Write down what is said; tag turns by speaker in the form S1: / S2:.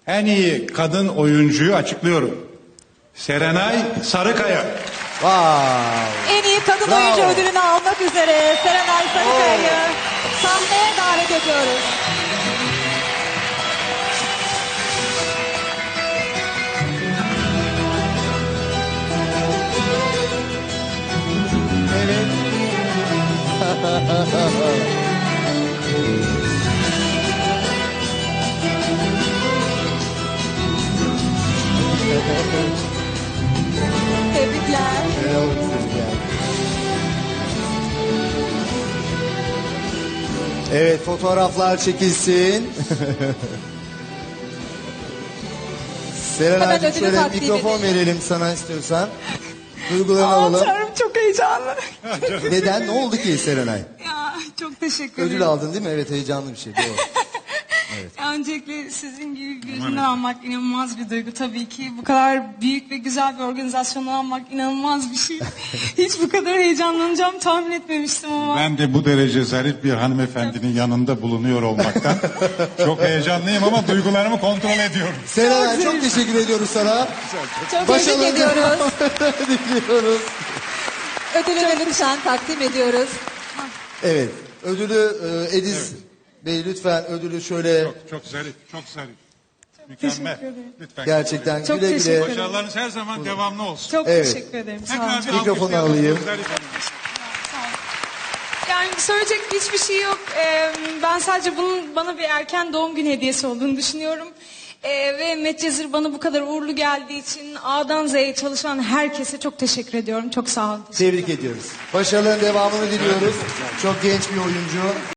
S1: En iyi kadın oyuncuyu açıklıyorum. Serenay Sarıkaya.
S2: Wow.
S3: En iyi kadın
S2: Bravo.
S3: oyuncu ödülünü almak üzere Serenay Sarıkaya'yı sahneye davet ediyoruz. Tebrikler.
S2: Evet, fotoğraflar çekilsin. Serenay'cığım
S3: ödülü
S2: şöyle
S3: takdim
S2: mikrofon
S3: edelim.
S2: verelim sana istiyorsan. Duygularını
S4: Aman
S2: alalım.
S4: Tanrım, çok heyecanlı.
S2: Neden? Ne oldu ki Serenay?
S4: Ya çok teşekkür ederim.
S2: Ödül aldın değil mi? Evet, heyecanlı bir şey. Doğru.
S4: Ya, öncelikle sizin gibi birinden almak inanılmaz bir duygu tabii ki. Bu kadar büyük ve güzel bir organizasyonu almak inanılmaz bir şey. Hiç bu kadar heyecanlanacağımı tahmin etmemiştim ama.
S1: Ben de bu derece zarif bir hanımefendinin yanında bulunuyor olmaktan çok heyecanlıyım ama duygularımı kontrol ediyorum.
S2: Serenay çok teşekkür ediyoruz sana.
S3: Çok
S2: Başarılı
S3: tebrik ediyoruz.
S2: diliyoruz.
S3: Ödülünü lütfen takdim ediyoruz.
S2: Evet, ödülü Ediz Bey lütfen ödülü şöyle
S1: Çok zarif, çok zarif.
S4: Teşekkür
S1: Mükemmel.
S4: ederim.
S1: Lütfen.
S2: gerçekten
S4: Çok
S2: güle
S4: teşekkür
S2: güle.
S4: ederim.
S1: Başarılarınız her zaman devamlı olsun.
S4: Çok
S2: Evet.
S4: teşekkür ederim. Sağ olun.
S1: Tekrar bir
S2: Mikrofonu
S1: alkışlayalım
S2: alayım.
S1: Zarif Hanım.
S4: Yani söyleyecek hiçbir şey yok. Ben sadece bunun bana bir erken doğum günü hediyesi olduğunu düşünüyorum. Ve Medcezir bana bu kadar uğurlu geldiği için A'dan Z'ye çalışan herkese çok teşekkür ediyorum. Çok sağ olun.
S2: Tebrik ediyoruz. Başarıların devamını diliyoruz. Çok genç bir oyuncu.